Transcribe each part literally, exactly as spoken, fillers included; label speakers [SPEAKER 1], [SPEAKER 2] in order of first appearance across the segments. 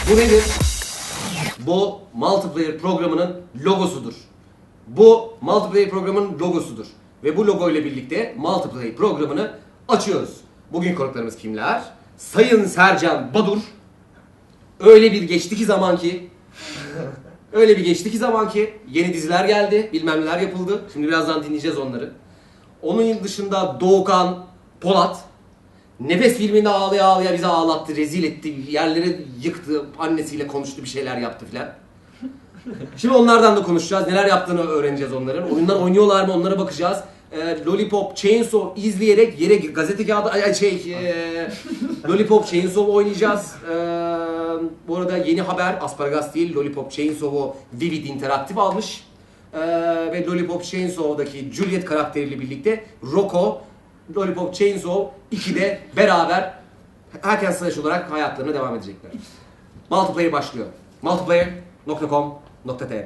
[SPEAKER 1] Bu nedir? Bu multiplayer programının logosudur. Bu multiplayer programının logosudur. Ve bu logo ile birlikte multiplayer programını açıyoruz. Bugün konuklarımız kimler? Sayın Sercan Badur. Öyle bir geçti ki zaman ki Öyle bir geçti ki zaman ki yeni diziler geldi, bilmem neler yapıldı. Şimdi birazdan dinleyeceğiz onları. Onun dışında Doğukan Polat. Nefes filminde ağlaya ağlaya bizi ağlattı, rezil etti, yerlere yıktı, annesiyle konuştu, bir şeyler yaptı filan. Şimdi onlardan da konuşacağız, neler yaptığını öğreneceğiz onların. Oyunlar oynuyorlar mı onlara bakacağız. Ee, Lollipop Chainsaw izleyerek yere gazete kağıdı, ay şey, e, Lollipop Chainsaw oynayacağız. Ee, bu arada yeni haber, Asparagas değil, Lollipop Chainsaw'u Vivid Interactive almış. Ee, ve Lollipop Chainsaw'daki Juliet karakteriyle birlikte Rocco, Lollipop Chainsaw ikide beraber hack and slash olarak hayatlarına devam edecekler. Multiplayer başlıyor. multiplayer nokta com nokta tr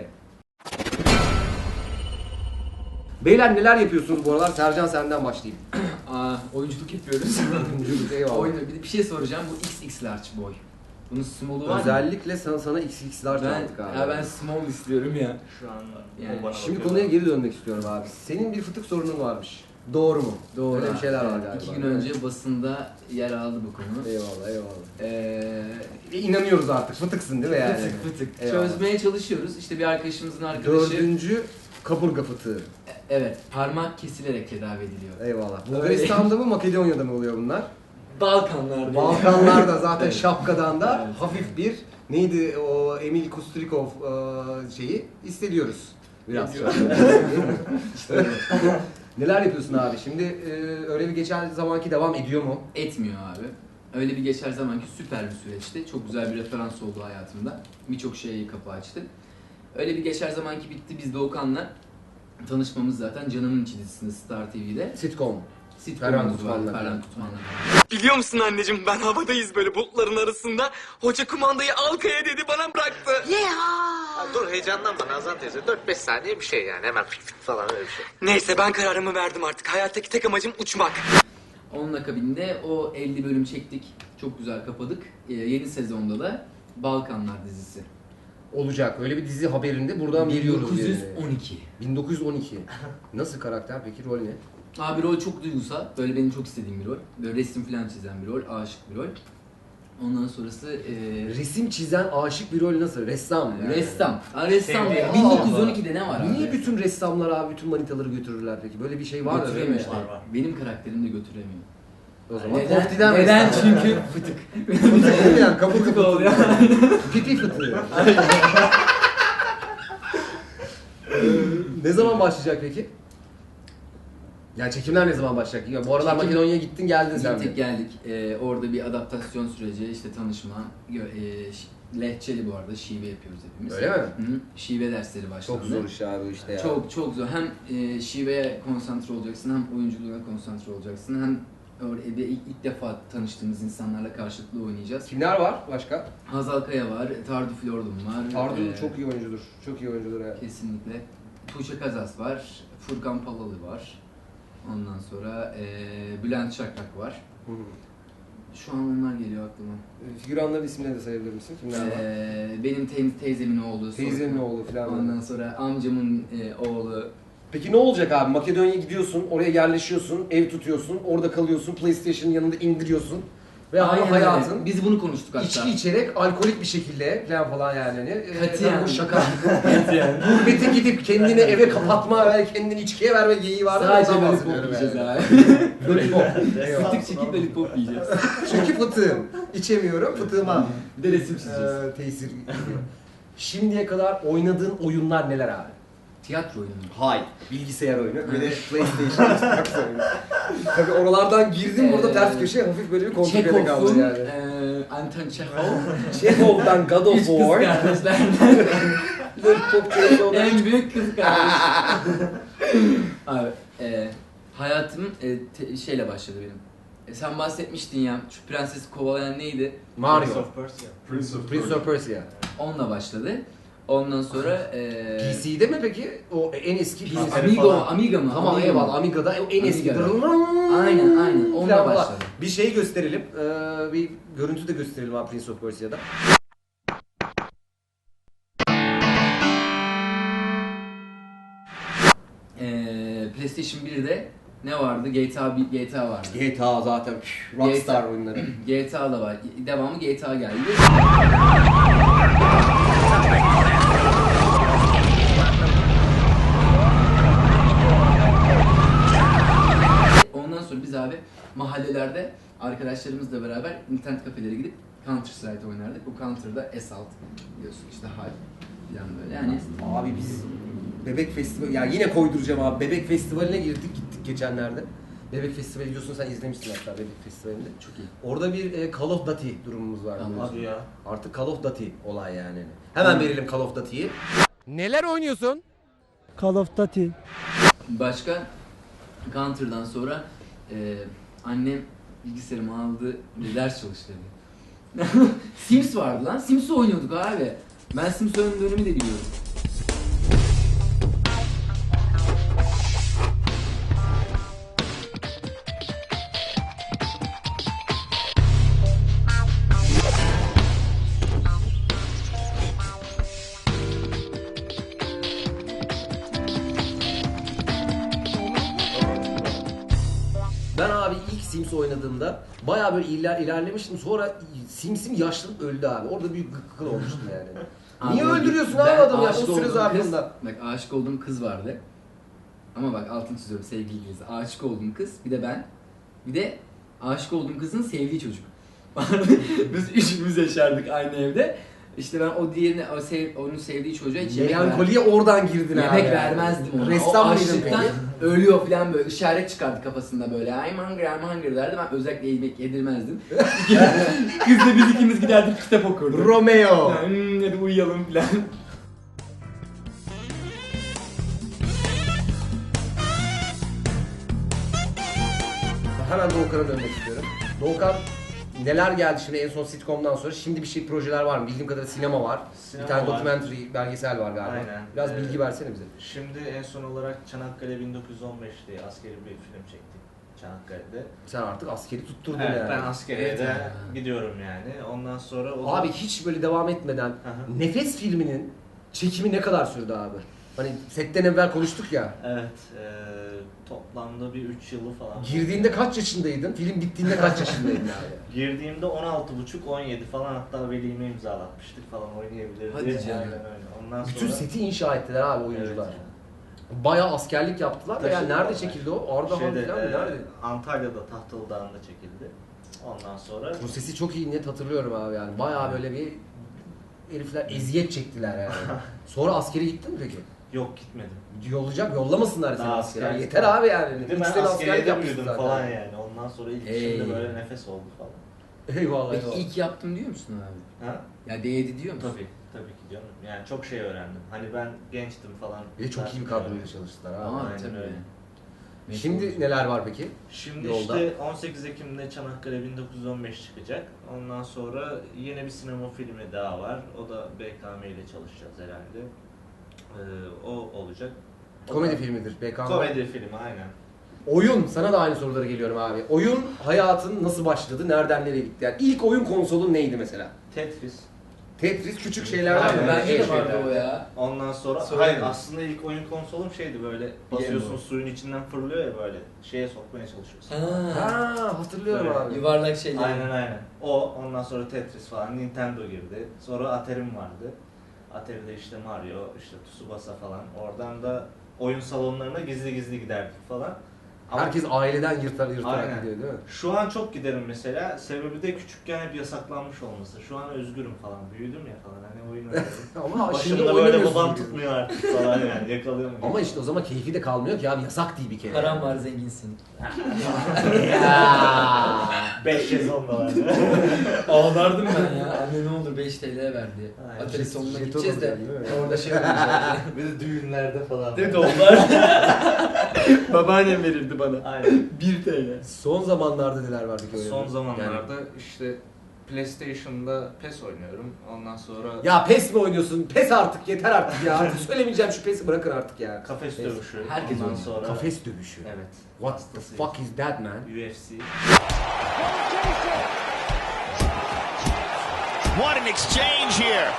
[SPEAKER 1] Beyler neler yapıyorsunuz bu aralar? Sercan senden başlayayım.
[SPEAKER 2] Aa, oyunculuk yapıyoruz.
[SPEAKER 1] Oyunculuk, eyvallah.
[SPEAKER 2] Oyun, bir, bir şey soracağım. Bu X X large boy. Bunun small'u var mı?
[SPEAKER 1] Özellikle sana, sana X X'lar
[SPEAKER 2] Ben,
[SPEAKER 1] aldık abi.
[SPEAKER 2] ya ben small istiyorum ya.
[SPEAKER 3] Şu anda
[SPEAKER 2] Yani
[SPEAKER 3] o bana
[SPEAKER 1] Şimdi
[SPEAKER 3] bakıyor.
[SPEAKER 1] konuya geri dönmek istiyorum abi. Senin bir fıtık sorunun varmış. Doğru mu?
[SPEAKER 2] Doğru.
[SPEAKER 1] Öyle bir şeyler var
[SPEAKER 2] Evet,
[SPEAKER 1] galiba.
[SPEAKER 2] İki gün önce basında yer aldı bu konu.
[SPEAKER 1] Eyvallah eyvallah.
[SPEAKER 2] Ee,
[SPEAKER 1] E, İnanıyoruz artık. Fıtıksın değil mi yani?
[SPEAKER 2] fıtık fıtık.
[SPEAKER 1] Eyvallah.
[SPEAKER 2] Çözmeye çalışıyoruz. İşte bir arkadaşımızın arkadaşı.
[SPEAKER 1] Dördüncü kaburga fıtığı.
[SPEAKER 2] Evet, parmak kesilerek tedavi ediliyor.
[SPEAKER 1] Eyvallah. Bulgaristan'da mı Makedonya'da mı oluyor bunlar?
[SPEAKER 2] Balkanlar.
[SPEAKER 1] Balkanlarda zaten
[SPEAKER 2] Evet.
[SPEAKER 1] şapkadan da
[SPEAKER 2] Evet.
[SPEAKER 1] hafif bir neydi o Emil Kustrikov e, şeyi hissediyoruz. Biraz.
[SPEAKER 2] Ediyor.
[SPEAKER 1] İşte öyle. Neler yapıyorsun abi? Şimdi e, öyle bir geçen zamanki devam ediyor mu?
[SPEAKER 2] Etmiyor abi. Öyle bir geçer zamanki süper bir süreçti. Çok güzel bir referans oldu hayatımda. Birçok şeye kapı açtı. Öyle bir geçer zamanki bitti. Biz Doğukan'la tanışmamız zaten Canımın İçi dizisinde Star T V'de.
[SPEAKER 1] Sitcom.
[SPEAKER 2] Sitcom'umuz
[SPEAKER 1] Ferhan
[SPEAKER 2] var.
[SPEAKER 1] Tutman'la.
[SPEAKER 2] Ferhan Tutman'la.
[SPEAKER 4] Biliyor musun anneciğim ben havadayız böyle bulutların arasında. Hoca kumandayı Alkaya dedi bana bıraktı.
[SPEAKER 5] Ha, dur heyecanlanma Nazan teyze. dört beş saniye bir şey yani. Hemen fıt fıt falan öyle bir şey.
[SPEAKER 4] Neyse ben kararımı verdim artık. Hayattaki tek amacım uçmak.
[SPEAKER 2] Onun akabinde o elli bölüm çektik. Çok güzel kapadık. Ee, yeni sezonda da Balkanlar dizisi.
[SPEAKER 1] Olacak. Öyle bir dizi haberinde buradan veriyoruz
[SPEAKER 2] bin dokuz yüz
[SPEAKER 1] yerini.
[SPEAKER 2] on iki.
[SPEAKER 1] bin dokuz yüz on iki. Nasıl karakter peki? Rol ne?
[SPEAKER 2] Abi rol çok duygusal. Böyle benim çok istediğim bir rol. Böyle resim falan çizen bir rol. Aşık bir rol. Ondan sonrası e,
[SPEAKER 1] Resim çizen aşık bir rol nasıl? Ressam yani.
[SPEAKER 2] ressam. Ha, ressam.
[SPEAKER 3] Sevdiğim
[SPEAKER 2] bin dokuz yüz on ikide ne var abi?
[SPEAKER 1] Niye bütün ressamlar abi bütün manitaları götürürler peki? Böyle bir şey var da değil mi
[SPEAKER 2] Götüremiyor
[SPEAKER 1] işte?
[SPEAKER 2] işte.
[SPEAKER 3] Var, var.
[SPEAKER 2] Benim karakterim de götüremiyor.
[SPEAKER 1] O zaman
[SPEAKER 2] Neden?
[SPEAKER 1] koftiden
[SPEAKER 2] Neden?
[SPEAKER 1] ressam.
[SPEAKER 2] Çünkü fıtık.
[SPEAKER 1] Fıtık değil mi yani? Kapı kapı
[SPEAKER 2] oluyor.
[SPEAKER 1] Pipi fıtığı. Ne zaman başlayacak peki? Yani çekimler ne zaman başlayacak? Ya bu aralar
[SPEAKER 2] Çekim-
[SPEAKER 1] Makedonya'ya gittin geldin sen
[SPEAKER 2] Gittik
[SPEAKER 1] de.
[SPEAKER 2] geldik. Ee, orada bir adaptasyon süreci, işte tanışma. gö- E, ş- lehçeli bu arada, şive yapıyoruz hepimiz.
[SPEAKER 1] Öyle mi?
[SPEAKER 2] Hı -hı. Şive dersleri başlandı.
[SPEAKER 1] Çok zor iş abi işte ya.
[SPEAKER 2] Çok çok zor. Hem e, şiveye konsantre olacaksın, hem oyunculuğuna konsantre olacaksın, hem orada ilk, ilk defa tanıştığımız insanlarla karşılıklı oynayacağız.
[SPEAKER 1] Kimler var başka?
[SPEAKER 2] Hazal Kaya var, Tardu Flordum var.
[SPEAKER 1] Tardu
[SPEAKER 2] Ee,
[SPEAKER 1] çok iyi oyuncudur. Çok iyi oyuncudur yani.
[SPEAKER 2] Kesinlikle. Tuğçe Kazas var, Furkan Palalı var. Ondan sonra e, Bülent Şakrak var.
[SPEAKER 1] Hı hı.
[SPEAKER 2] Şu an onlar geliyor aklıma.
[SPEAKER 1] Figüranların isimlerini de sayabilir misin? Kimler var?
[SPEAKER 2] Ee, benim te- teyzemin oğlu.
[SPEAKER 1] Teyzenin
[SPEAKER 2] sonra-
[SPEAKER 1] oğlu falan.
[SPEAKER 2] Ondan sonra amcamın e, oğlu.
[SPEAKER 1] Peki ne olacak abi? Makedonya'ya gidiyorsun, oraya yerleşiyorsun, ev tutuyorsun, orada kalıyorsun, PlayStation'ın yanında indiriyorsun. Ve ama
[SPEAKER 2] Aynen
[SPEAKER 1] hayatın
[SPEAKER 2] öyle. Biz bunu konuştuk hatta.
[SPEAKER 1] içki içerek, alkolik bir şekilde falan falan yani. Hani, e,
[SPEAKER 2] Katiyen.
[SPEAKER 1] bu şaka. Gurbete gidip kendini eve kapatma ve kendini içkiye verme geyiği var.
[SPEAKER 2] Sadece
[SPEAKER 1] Ondan
[SPEAKER 2] lollipop
[SPEAKER 1] bahsediyorum
[SPEAKER 2] yiyeceğiz
[SPEAKER 1] yani.
[SPEAKER 2] abi.
[SPEAKER 1] Lollipop.
[SPEAKER 2] Fıtık çekip lollipop yiyeceğiz.
[SPEAKER 1] Çünkü fıtığım. İçemiyorum, fıtığıma
[SPEAKER 2] Bir de resim çizeceğiz.
[SPEAKER 1] e, tesir ediyor. Şimdiye kadar oynadığın oyunlar neler abi?
[SPEAKER 2] Tiyatro oyunu.
[SPEAKER 1] Hayır. Bilgisayar oyunu. Bir de PlayStation Xbox oyunu. Tabii oralardan girdim burada
[SPEAKER 2] Ee,
[SPEAKER 1] ters köşe hafif böyle bir komplikede kaldı
[SPEAKER 2] Çekhov'un,
[SPEAKER 1] yani.
[SPEAKER 2] e, Anton Çekhov.
[SPEAKER 1] Chekhov'dan God of
[SPEAKER 2] Üç kız
[SPEAKER 1] War.
[SPEAKER 2] kardeşlerden
[SPEAKER 1] Lollipop Chekhov'dan.
[SPEAKER 2] en büyük kız kardeş. Abi, e, hayatım e, te- şeyle başladı benim. E, sen bahsetmiştin ya, şu prensesi kovalayan neydi?
[SPEAKER 1] Mario.
[SPEAKER 3] Prince of Persia.
[SPEAKER 6] Prince of
[SPEAKER 1] Prince of Persia.
[SPEAKER 2] Onunla başladı. Ondan sonra e,
[SPEAKER 1] P C'de mi peki? O en eski P
[SPEAKER 2] P-
[SPEAKER 1] C.
[SPEAKER 2] Amigo, Amiga mı?
[SPEAKER 1] Tamam
[SPEAKER 2] Amiga mı?
[SPEAKER 1] eyvallah Amiga'da en eski.
[SPEAKER 2] Amiga'da. Aynen, aynen. Onunla
[SPEAKER 1] Falan var.
[SPEAKER 2] başladı.
[SPEAKER 1] Bir şey gösterelim. Ee, bir görüntü de gösterelim abi Prince of Persia'da.
[SPEAKER 2] PlayStation birde ne vardı? G T A bir G T A vardı.
[SPEAKER 1] G T A zaten püf, Rockstar oyunları.
[SPEAKER 2] G T A da var. Devamı G T A geldi. Ondan sonra biz abi mahallelerde arkadaşlarımızla beraber internet kafelere gidip Counter Strike oynardık. Bu Counter'da Assault biliyorsun işte Hal falan böyle yani.
[SPEAKER 1] Abi biz Bebek Festivali, ya yine koyduracağım abi. Bebek Festivali'ne girdik gittik geçenlerde. Bebek Festivali biliyorsun, sen izlemişsin hatta Bebek Festivali'nde.
[SPEAKER 2] Çok iyi.
[SPEAKER 1] Orada bir e, Call of Duty durumumuz var.
[SPEAKER 2] Tamam.
[SPEAKER 1] biliyorsun.
[SPEAKER 5] Hadi ya.
[SPEAKER 1] Artık Call of Duty olay yani. Hemen verelim Call of Duty'yi. Neler oynuyorsun?
[SPEAKER 3] Call of Duty.
[SPEAKER 2] Başka Counter'dan sonra e, annem bilgisayarımı aldı bir ders çalıştırdı. Sims vardı lan. Sims oynuyorduk abi. Ben Sims oynadığı dönemi de biliyorum.
[SPEAKER 1] Ben abi ilk Sims oynadığımda bayağı böyle iler, ilerlemiştim. Sonra Sims'im yaşlanıp öldü abi. Orada büyük gıkkıl olmuştum yani. Niye
[SPEAKER 2] Abi,
[SPEAKER 1] öldürüyorsun
[SPEAKER 2] ben
[SPEAKER 1] abi adamı ya o
[SPEAKER 2] aşık
[SPEAKER 1] süre
[SPEAKER 2] olduğum kız-
[SPEAKER 1] zarfında?
[SPEAKER 2] Bak aşık olduğum kız vardı. Ama bak altını çiziyorum sevgiliyiz. Aşık olduğum kız, bir de ben. Bir de aşık olduğum kızın sevdiği çocuk. Biz üçümüz yaşardık aynı evde. İşte ben o diğerine, o sev, onun sevdiği çocuğa hiç yemek, ver,
[SPEAKER 1] Melankoliye oradan girdin abi.
[SPEAKER 2] yemek
[SPEAKER 1] yani.
[SPEAKER 2] vermezdim ona.
[SPEAKER 1] Ressam
[SPEAKER 2] O
[SPEAKER 1] mıydın
[SPEAKER 2] açlıktan
[SPEAKER 1] peki?
[SPEAKER 2] ölüyor falan böyle işaret çıkardı kafasında böyle. I'm hungry, I'm hungry derdi. Ben özellikle yemek yedirmezdim. Kızla biz ikimiz giderdik kitap okurduk.
[SPEAKER 1] Romeo.
[SPEAKER 2] Hmm, hadi uyuyalım falan.
[SPEAKER 1] Hemen Doğukan'a dönmek istiyorum. Doğukan neler geldi şimdi en son sitcom'dan sonra? Şimdi bir şey projeler var mı? Bildiğim kadarıyla sinema var.
[SPEAKER 5] Sinema
[SPEAKER 1] bir tane
[SPEAKER 5] var.
[SPEAKER 1] documentary belgesel var galiba.
[SPEAKER 5] Aynen.
[SPEAKER 1] Biraz
[SPEAKER 5] Ee,
[SPEAKER 1] bilgi versene bize.
[SPEAKER 5] Şimdi en son olarak Çanakkale bin dokuz yüz on beş diye askeri bir film çektik Çanakkale'de.
[SPEAKER 1] Sen artık askeri tutturdun
[SPEAKER 5] Evet,
[SPEAKER 1] yani.
[SPEAKER 5] ben askeriye
[SPEAKER 2] Evet
[SPEAKER 5] de
[SPEAKER 2] ya.
[SPEAKER 5] gidiyorum yani. Ondan sonra o
[SPEAKER 1] Abi hiç böyle devam etmeden
[SPEAKER 5] hı.
[SPEAKER 1] Nefes filminin çekimi ne kadar sürdü abi? Hani setten evvel konuştuk ya.
[SPEAKER 5] Evet, eee, toplamda bir üç yılı falan.
[SPEAKER 1] Girdiğinde kaç yaşındaydın? Film bittiğinde kaç yaşındaydın abi?
[SPEAKER 5] Girdiğimde on altı buçuk on yedi falan, hatta velime imzalatmıştık falan, oynayabilir
[SPEAKER 2] Hadi
[SPEAKER 5] diye.
[SPEAKER 2] canım.
[SPEAKER 5] Aynen öyle. Ondan
[SPEAKER 1] Bütün
[SPEAKER 5] sonra
[SPEAKER 1] seti inşa ettiler abi oyuncular.
[SPEAKER 5] Evet.
[SPEAKER 1] Bayağı askerlik yaptılar da yani
[SPEAKER 5] Taşıdılar.
[SPEAKER 1] nerede çekildi o? Ardahan
[SPEAKER 5] Şeyde,
[SPEAKER 1] falan mı?
[SPEAKER 5] eee,
[SPEAKER 1] Nerede?
[SPEAKER 5] Antalya'da Tahtalı Dağı'nda çekildi. Ondan sonra
[SPEAKER 1] Bu sesi çok iyi net hatırlıyorum abi yani. Bayağı böyle bir herifler eziyet çektiler yani. Sonra askere gittin mi peki?
[SPEAKER 5] yok gitmedim.
[SPEAKER 1] Yollayacak, yollamasınlar seni
[SPEAKER 5] Daha
[SPEAKER 1] askere.
[SPEAKER 5] askerlik
[SPEAKER 1] Yeter
[SPEAKER 5] var.
[SPEAKER 1] abi yani.
[SPEAKER 5] Bir de
[SPEAKER 1] Üç
[SPEAKER 5] ben
[SPEAKER 1] sene askerlik
[SPEAKER 5] askeriyede
[SPEAKER 1] yapmışsın
[SPEAKER 5] büyüdüm
[SPEAKER 1] zaten.
[SPEAKER 5] falan yani. Ondan sonra ilk
[SPEAKER 2] Ey.
[SPEAKER 5] işimde böyle nefes oldu falan.
[SPEAKER 1] Eyvallah
[SPEAKER 2] Peki
[SPEAKER 1] eyvallah.
[SPEAKER 2] ilk yaptım diyor musun abi?
[SPEAKER 5] Ha?
[SPEAKER 2] Ya değdi diyor musun?
[SPEAKER 5] Tabii, tabii ki canım. Yani çok şey öğrendim. Hani ben gençtim falan.
[SPEAKER 1] Bir de çok iyi bir kadroyla çalıştılar abi.
[SPEAKER 2] Ama
[SPEAKER 5] Aynen
[SPEAKER 2] tabii.
[SPEAKER 5] öyle.
[SPEAKER 2] Meşhur
[SPEAKER 1] Şimdi
[SPEAKER 2] olacak.
[SPEAKER 1] neler var peki?
[SPEAKER 5] Şimdi
[SPEAKER 1] Yolda.
[SPEAKER 5] işte on sekiz Ekim'de Çanakkale bin dokuz yüz on beş çıkacak. Ondan sonra yine bir sinema filmi daha var. O da B K M ile çalışacağız herhalde. Ee, o olacak. O
[SPEAKER 1] Komedi
[SPEAKER 5] da-
[SPEAKER 1] filmidir. B K M.
[SPEAKER 5] Komedi filmi aynen.
[SPEAKER 1] Oyun, sana da aynı sorulara geliyorum abi. Oyun hayatın nasıl başladı, nereden nereye gitti? Yani ilk oyun konsolun neydi mesela?
[SPEAKER 5] Tetris.
[SPEAKER 1] Tetris küçük şeylerden
[SPEAKER 5] Aynen.
[SPEAKER 1] mi?
[SPEAKER 2] Bende de
[SPEAKER 5] Şey
[SPEAKER 2] vardı
[SPEAKER 5] şeyler.
[SPEAKER 2] o ya.
[SPEAKER 5] Ondan sonra,
[SPEAKER 2] Sonra
[SPEAKER 5] hayır
[SPEAKER 2] ne?
[SPEAKER 5] aslında ilk oyun konsolum şeydi, böyle basıyorsun suyun içinden fırlıyor ya, böyle şeye sokmaya çalışıyorsun.
[SPEAKER 2] Ha.
[SPEAKER 1] Ha, hatırlıyorum
[SPEAKER 5] Böyle.
[SPEAKER 1] abi.
[SPEAKER 2] Yuvarlak şeyler.
[SPEAKER 5] Aynen aynen. O, ondan sonra Tetris falan, Nintendo girdi. Sonra Atari'm vardı. Atari'de işte Mario, işte Tsubasa falan. Oradan da oyun salonlarına gizli gizli giderdik falan. Ama
[SPEAKER 1] Herkes aileden yırtar yırtarak
[SPEAKER 5] Aynen.
[SPEAKER 1] gidiyor değil mi?
[SPEAKER 5] şu an çok giderim mesela. Sebebi de küçükken hep yasaklanmış olması. Şu an özgürüm falan. Büyüdüm ya falan. Hani oyun oynuyorum.
[SPEAKER 1] Ama şimdi
[SPEAKER 5] Başımda böyle
[SPEAKER 1] oynamıyorsun
[SPEAKER 5] babam
[SPEAKER 1] gibi.
[SPEAKER 5] tutmuyor artık falan yani. Yakalıyor mu?
[SPEAKER 1] Ama işte o zaman keyfi de kalmıyor ki abi, yasak değil bir kere.
[SPEAKER 2] Param var zenginsin.
[SPEAKER 1] Ya.
[SPEAKER 5] beş sezonda var.
[SPEAKER 2] Ağlardım ben ya. Anne ne olur beş T L ver diye.
[SPEAKER 5] Aynen.
[SPEAKER 2] Atari sonuna
[SPEAKER 1] Jeton
[SPEAKER 2] gideceğiz de
[SPEAKER 1] alacaksın, değil mi?
[SPEAKER 2] orada şey olacak.
[SPEAKER 5] Bir de düğünlerde falan.
[SPEAKER 2] Değil mi onlar? Babaannem verirdi bana.
[SPEAKER 5] Aynen.
[SPEAKER 2] bir T L.
[SPEAKER 1] Son zamanlarda neler var peki öyle?
[SPEAKER 5] Son zamanlarda işte PlayStation'da PES oynuyorum. Ondan sonra
[SPEAKER 1] Ya PES mi oynuyorsun? PES artık, yeter artık ya. Artık söylemeyeceğim, şu PES'i bırakın artık ya.
[SPEAKER 5] kafes
[SPEAKER 1] PES.
[SPEAKER 5] dövüşü.
[SPEAKER 2] Herkes
[SPEAKER 5] Ondan
[SPEAKER 2] oynuyor.
[SPEAKER 5] sonra
[SPEAKER 1] Kafes dövüşü.
[SPEAKER 5] Evet.
[SPEAKER 1] What the fuck is that man?
[SPEAKER 5] U F C.
[SPEAKER 6] What an exchange here.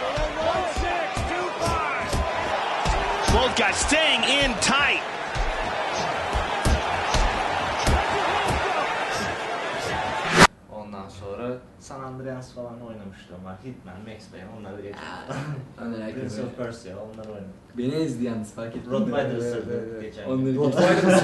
[SPEAKER 6] Both guys staying in tight.
[SPEAKER 5] oynamışlığım var. Hitman, Max Payne onları geçtim.
[SPEAKER 2] Onlar herkes
[SPEAKER 5] Prince
[SPEAKER 2] oynuyor.
[SPEAKER 5] of Persia onları oynadım.
[SPEAKER 2] Beni ezdi yalnız fark ettin mi?
[SPEAKER 5] Rottweiler
[SPEAKER 1] Evet,
[SPEAKER 5] ısırdı
[SPEAKER 1] evet.
[SPEAKER 5] geçen.
[SPEAKER 2] Onları
[SPEAKER 1] Rottweiler mısın?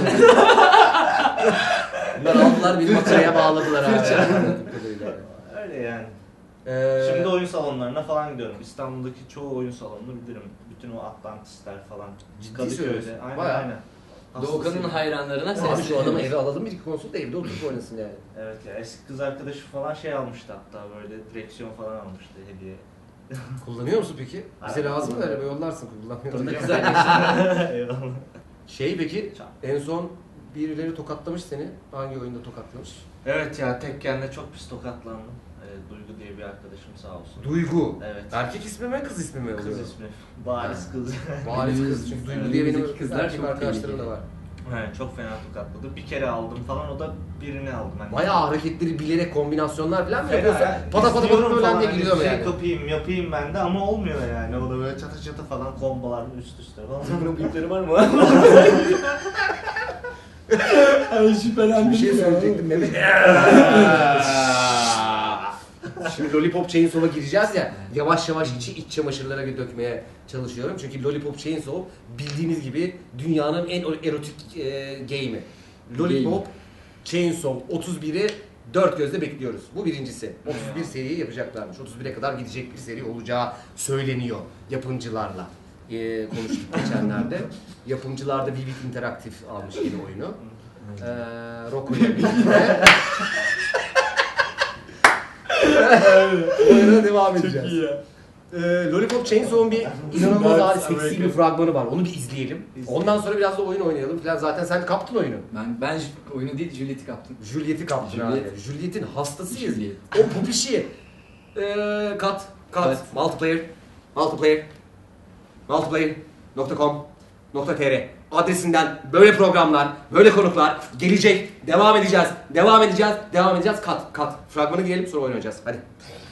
[SPEAKER 1] Bunlar aldılar bir makaraya bağladılar abi.
[SPEAKER 5] Öyle yani.
[SPEAKER 1] Ee,
[SPEAKER 5] Şimdi oyun salonlarına falan gidiyorum. İstanbul'daki çoğu oyun salonunu bilirim. Bütün o Atlantis'ler falan.
[SPEAKER 1] Ciddi söylüyorsun.
[SPEAKER 5] Aynen
[SPEAKER 1] Bayağı.
[SPEAKER 5] aynen.
[SPEAKER 2] Doğukan'ın
[SPEAKER 5] Hastasıyım.
[SPEAKER 2] hayranlarına
[SPEAKER 1] Abi
[SPEAKER 2] sesleniyoruz.
[SPEAKER 1] şu adamı eve alalım bir iki konsol da evde oturup oynasın yani.
[SPEAKER 5] Evet ya eski kız arkadaşı falan şey almıştı hatta böyle direksiyon falan almıştı hediye.
[SPEAKER 1] Kullanıyor musun peki? Bize
[SPEAKER 5] Aynen.
[SPEAKER 1] lazım da araba yollarsın kullanmıyoruz.
[SPEAKER 2] Fırında kız arkadaşım.
[SPEAKER 5] Eyvallah.
[SPEAKER 1] Şey peki
[SPEAKER 5] Çak.
[SPEAKER 1] en son birileri tokatlamış seni. Hangi oyunda tokatlamış?
[SPEAKER 5] Evet ya Tekken'de çok pis tokatlandım. Ee, Duygu diye bir arkadaşım sağ olsun.
[SPEAKER 1] Duygu.
[SPEAKER 5] Evet.
[SPEAKER 1] Erkek ismi mi kız ismi mi oluyor?
[SPEAKER 5] Kız ismi. Bariz kız.
[SPEAKER 1] Bariz kız. Çünkü Duygu diye benim
[SPEAKER 2] Önümüzdeki kızlar
[SPEAKER 1] erkek
[SPEAKER 2] çok
[SPEAKER 1] arkadaşlarım da
[SPEAKER 2] tehlikeli.
[SPEAKER 1] var.
[SPEAKER 5] Evet, çok fena tokatladı. Bir kere aldım falan o da birini aldım. Hani
[SPEAKER 1] Bayağı hareketleri bilerek kombinasyonlar falan mı
[SPEAKER 5] Fena
[SPEAKER 1] yapıyorsun?
[SPEAKER 5] ya.
[SPEAKER 1] Pata pata
[SPEAKER 5] İzliyorum
[SPEAKER 1] pata böyle
[SPEAKER 5] falan,
[SPEAKER 1] de
[SPEAKER 5] hani
[SPEAKER 1] giriyor mu
[SPEAKER 5] şey
[SPEAKER 1] yani?
[SPEAKER 5] kapayım yapayım ben de ama olmuyor yani. O da böyle çatı çatı falan kombolar üst üste falan.
[SPEAKER 2] Bunun büyükleri var mı?
[SPEAKER 3] Ay şüphelendim.
[SPEAKER 1] Bir şey
[SPEAKER 3] ya.
[SPEAKER 1] söyleyecektim Mehmet. Şimdi Lollipop Chainsaw'a gireceğiz ya, yavaş yavaş içi iç çamaşırlara dökmeye çalışıyorum. Çünkü Lollipop Chainsaw bildiğiniz gibi dünyanın en erotik e, game'i. Lollipop Chainsaw otuz biri dört gözle bekliyoruz. Bu birincisi. otuz bir seriyi yapacaklarmış. otuz bire kadar gidecek bir seri olacağı söyleniyor yapımcılarla. E, konuştuk geçenlerde. Yapımcılar da Vivid Interactive almış yeni oyunu. Eee Rocco ile birlikte. Oyuna devam edeceğiz.
[SPEAKER 2] Çok iyi ya.
[SPEAKER 1] Ee, Lollipop Chainsaw'un bir inanılmaz
[SPEAKER 2] Ben
[SPEAKER 1] hali
[SPEAKER 2] sana
[SPEAKER 1] seksi bir
[SPEAKER 2] bekliyorum.
[SPEAKER 1] fragmanı var. Onu bir izleyelim. Ondan sonra biraz da oyun oynayalım falan. Zaten sen kaptın oyunu.
[SPEAKER 2] Ben ben J- oyunu değil Juliet'i kaptım.
[SPEAKER 1] Juliet'i kaptın
[SPEAKER 2] Juliet.
[SPEAKER 1] abi. Juliet'in hastasıyız.
[SPEAKER 2] Juliet.
[SPEAKER 1] O pupişi. Ee, kat, kat,
[SPEAKER 2] Kat.
[SPEAKER 1] multiplayer, multiplayer, multiplayer nokta com nokta tr adresinden böyle programlar, böyle konuklar gelecek. Devam edeceğiz, devam edeceğiz, devam edeceğiz. Kat, kat. Fragmanı girelim sonra oynayacağız. Hadi.